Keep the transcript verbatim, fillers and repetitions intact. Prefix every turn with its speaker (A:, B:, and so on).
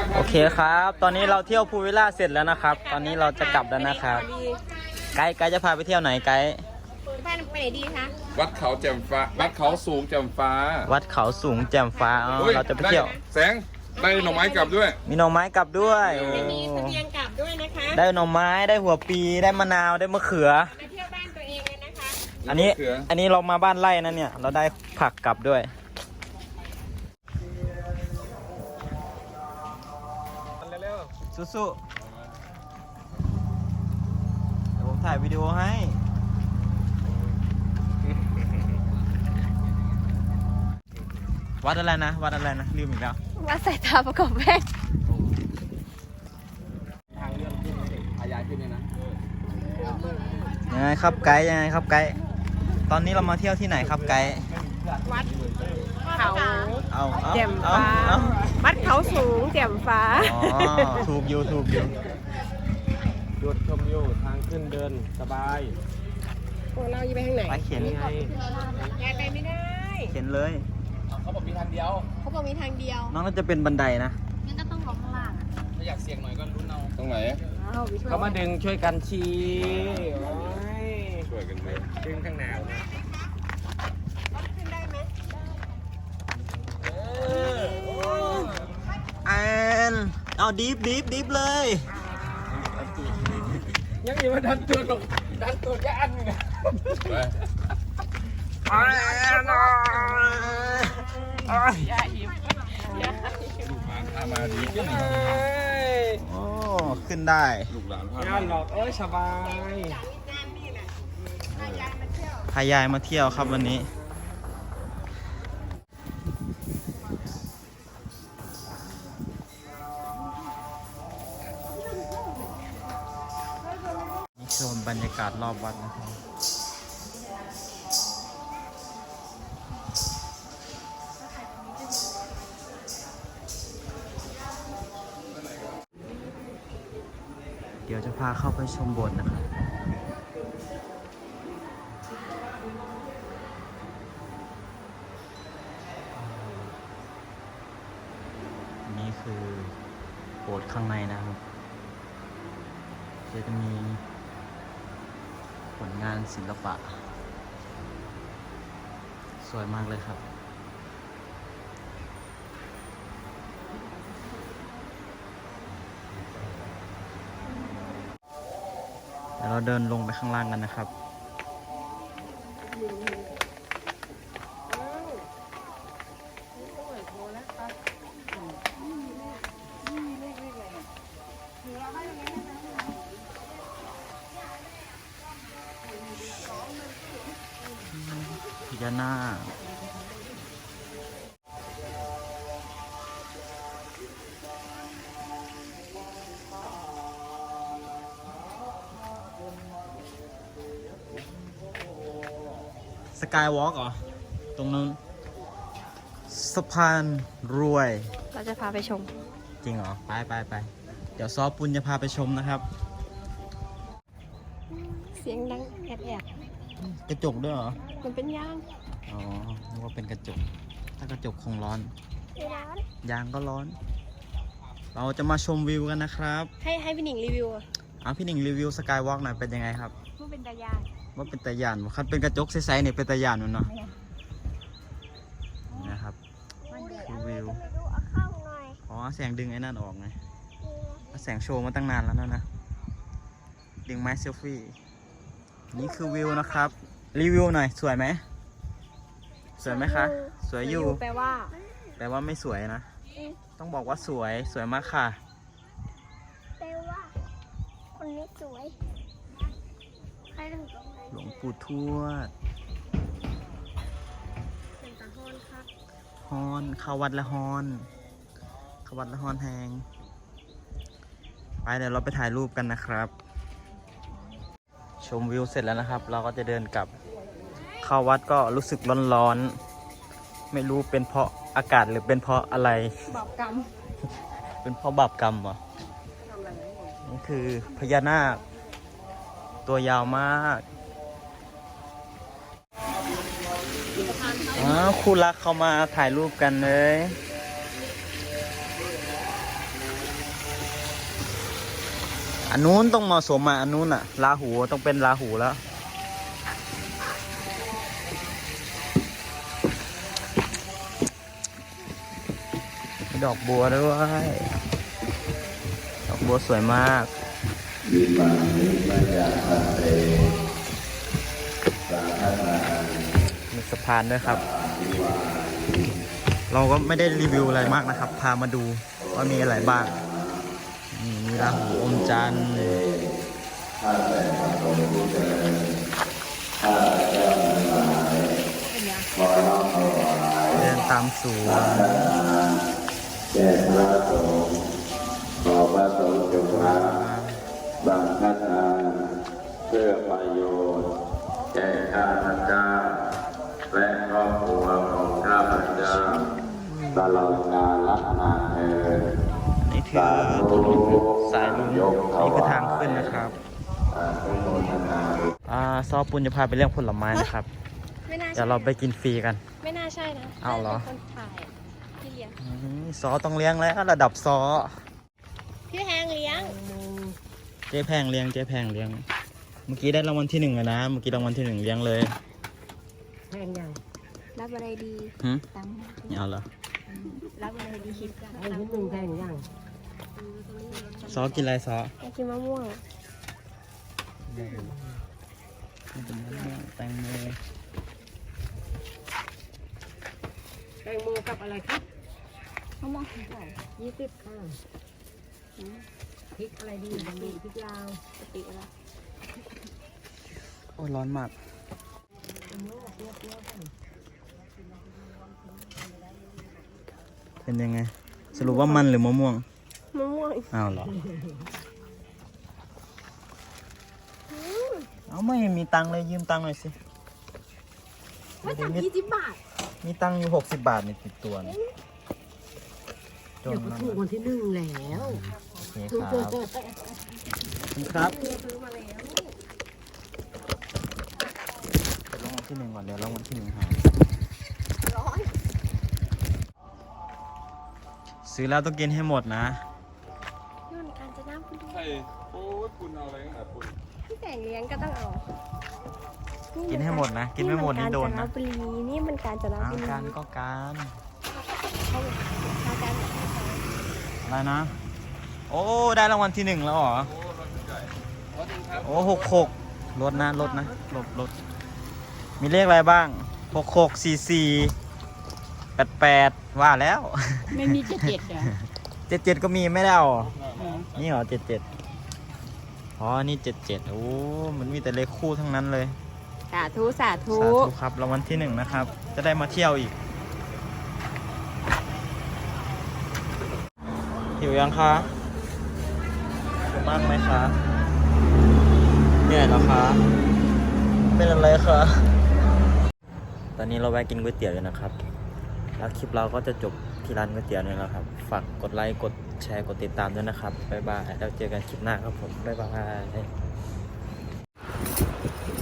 A: โอเคครับตอนนี้เราเที่ยวพูวิลล่าเสร็จแล้วนะครับตอนนี้เราจะกลับแล้วนะครับไกด์ไกด์จะพาไปเที่ยวไหนไกด์
B: ไปไปไหนดีคะ
C: วัดเขาแจ่มฟ้าวัดเขาสูงแจ่มฟ้า
A: วัดเขาสูงแจ่มฟ้าเราจะไปเที่ยว
C: แสงได้หน่อไม้กลับด้วย
A: มีหน่อไม้กลับด้วย
B: มีเสบียงกลับด้วยนะคะ
A: ได้หน่อไม้ได้หัวปีได้มะนาวได้มะเขือ
B: มาเที่ยวบ้านตัวเองเลยนะคะ
A: อันนี้อันนี้เรามาบ้านไร่นะเนี่ยเราได้ผักกลับด้วยสู้ๆเดี๋ยวผมถ่ายวิดีโอให้วัดอะไรนะวัดอะไรนะลืมอีกแล้ว
B: วัดสายตาประกอบแว่น
C: ทางเลื่อนขึ้นพายายขึ้นเนี่ยนะ
A: ยังไงครับไกด์ยังไงครับไกด์ตอนนี้เรามาเที่ยวที่ไหนครับไกด์
B: วัดเขา
A: เอา
B: แจ่มฟ้าวัดเขาสูงแจ่มฟ้า
A: อ๋อถูกอยู่ถูกอยู่
C: หยุดชมวิวทางขึ้นเดินสบาย
B: พวกเราจะไปทางไหน
A: ไปเขียนไง
B: ยายไปไม่ได้
A: เขียนเลย
C: เขาบอกมีทางเดียว
B: เขาบอกมีทางเดียว
A: น้องน่าจะเป็นบันไดนะ
B: งั้นก็ต้องลงข้างล่างอ่ะ
C: ถ้าอยากเสี่ยงหน่อยก็ลุ้นเอาตรงไหน
A: เขามาดึงช่วยกันชี้
C: ช่วยกันเลย
A: ดึงข้างหน้า
B: ขึ้นได้ไหม
A: แอนเอาดิฟดิฟดิฟเลย
C: ยังอยู่ว่าดันตัวลงดันตัวแค่อันนึงไป
A: แอน
B: อย่าหิวอย่าหิว
C: พามาดีขึ้น
A: โอ้ขึ้นได้
C: ลูกหลานพา
A: มาหรอกเอ้ยสบายพายายมาเที่ยวครับวันนี้ชมบรรยากาศรอบวัดนะครับเดี๋ยวจะพาเข้าไปชมโบสถ์นะครับนี่คือโบสถ์ข้างในนะครับจะมีผลงานศิลปะสวยมากเลยครับเดี๋ยวเราเดินลงไปข้างล่างกันนะครับพญานาคสกายวอล์กเหรอตรงนั้นสะพานรวย
B: เราจะพาไปชม
A: จริงเหรอไปไปไปเดี๋ยวซอปุณจะพาไปชมนะครับ
B: เสียงดังแอดแอด
A: กระจกด้วยเหรอ
B: มันเป็นยาง
A: อ๋อนึกว่าเป็นกระจกถ้ากระจกคงร้อน
B: ร้อน
A: ยางก็ร้อนเราจะมาชมวิวกันนะครับ
B: ให้ให้พี่หนิงรีวิวอ่ะ
A: เอาพี่หนิงรีวิวสกายวอล์กหน่อยเป็นยังไงครับ
B: ว่าเป็นตะยาน
A: ว่าเป็นตะยานคันเป็นกระจกใสๆเนี่ยเป็นตะยานมันเนาะนะครับคือวิวอ๋อแสงดึงไอ้นั่นออกไงแสงโชว์มาตั้งนานแล้วนะนะดึงไม้เซลฟี่นี่คือวิวนะครับรีวิวหน่อยสวยไหมสวยไหมคะสวยอยู่
B: แปลว่า
A: แปลว่าไม่สวยนะต้องบอกว่าสวยสวยมากค่ะ
B: แปลว่าคนนี้สวยใครถึง
A: หลวงปู่ทวด
B: เป็นตาฮอนครับ
A: ฮอนเข้าวัดละฮอนเข้าวัดละฮอนแหงไปเดี๋ยวเราไปถ่ายรูปกันนะครับชมวิวเสร็จแล้วนะครับเราก็จะเดินกลับเข้าวัดก็รู้สึกร้อนๆไม่รู้เป็นเพราะอากาศหรือเป็นเพราะอะไร
B: บาปกรรม
A: เป็นเพราะบาปกรรมเหรอนี่คือพญานาคตัวยาวมากอ๋อคู่รักเขามาถ่ายรูปกันเลยอันนู้นต้องเหมาะสมอ่ะอันนู้นอ่ะลาหูต้องเป็นลาหูแล้วมีดอกบัวด้วยดอกบัวสวยมากมีสะพานด้วยครับ เราก็ไม่ได้รีวิวอะไรมากนะครับ พามาดูว่ามีอะไรบ้างนี่มีราหูอมจันทร์เดินตามสวน
D: แก่พระสงฆ์ขอพระสงฆ์จงรับบังคับทานเพื่อประโยชน์แก่ข้าพเจ้าและครอบครัวของข้าพเจ้าตลอดกาลนานเถิด
A: นี่คือสายลุงนี่คือทางขึ้นนะครับอ่าซอปุญจะพาไปเรื่องผลไม้นะครับ
B: ไม่น่า
A: เดี๋ยวเราไปกินฟรีกัน
B: ไม่น่าใช่นะ
A: เอาเหรอ
B: คนถ่ายพี่เลี้ยง
A: อืมซอต้องเลี้ยงแล้วระดับซอ
B: พี่แพงเลี้ยง
A: เจ๊แพงเลี้ยงเจ๊แพงเลี้ยงเมื่อกี้ได้รางวัลที่หนึ่งเลยนะเมื่อกี้รางวัลที่หนึ่งเลี้ยงเลย
E: แพงยัง
B: รับอะไรดี
A: หืม
B: ตังค์
A: ไม่เอาเหรอ
B: รับอะไรดีคิดกัน
E: ไอ้นิดนึงแพงยัง
A: ซอกินอะไรซอ
B: อยากกินมะม่วง
A: แตงโม
E: แตงโมกับอะไรครับ
B: มะม่วง
E: ยี่สิบค่ะพริกอะไรดีบางดีพริกลาว
B: ปกติอะไร
A: โอ้ยร้อนมาก เป็นยังไง สรุปว่ามันหรือมะม่วง
B: มะม่วง
A: อ้าวเหรอ เอาไม่มีตังค์เลยยืมตังค์หน่อยสิ
B: ว่าสั่งยี่สิบบาท
A: มีตังค์อยู่หกสิบบาทในติดตัวนะจน
E: เดี๋ยวก็
A: มาก
E: ถูกวันที่หนึ่งแล้ว
A: โอเคครับขอบคุณครับไปลงวันที่หนึ่งก่อนเดี๋ยวลงวันที่หนึ่งหา
B: ร้อน
A: ซื้อแล้วต้องกินให้หมดนะ
B: นู่นการจะน้ำคุณ
C: ใช่โอ้ยคุณเอาอะไรกันอ่ะคุณ
B: พี่แสงเลี้ยงก็ต้องเอา
A: กินให้หมดนะ กินไม่หมดนี่โดนนะ
B: นี่มันการจะน้ำ
A: อ้า
B: บุ
A: ว
B: รี
A: การก็การ
B: เขาบอกเขาการ
A: อะไรนะ โอ้ ได้รางวัลที่หนึ่งแล้วเหรอ โอ้หกหกลดนะลดนะลดลดมีเลขอะไรบ้างหกหกสี่สี่แปดแปดว่าแล้ว
E: ไม่มีเจ็ดเจ็ดเหรอ
A: เจ็ดเจ็ดก็มีไม่ได้เอาเหรอนี่เหรอเจ็ดเจ็ดอ๋อ นี่เจ็ดเจ็ดโอ้ มันมีแต่เลขคู่ทั้งนั้นเลย
E: สาธุสาธุ
A: สาธุครับรางวัลที่หนึ่งนะครับ จะได้มาเที่ยวอีกหิวยังคะหิวมากไหมคะเหนื่อยเหรอคะเป็นอะไรคะตอนนี้เราแวะกินก๋วยเตี๋ยวอยู่นะครับแล้วคลิปเราก็จะจบที่ร้านก๋วยเตี๋ยวนี่แหละครับฝากกดไลค์กดแชร์กดติดตามด้วยนะครับบ๊ายบายแล้วเจอกันคลิปหน้าครับผมบ๊ายบาย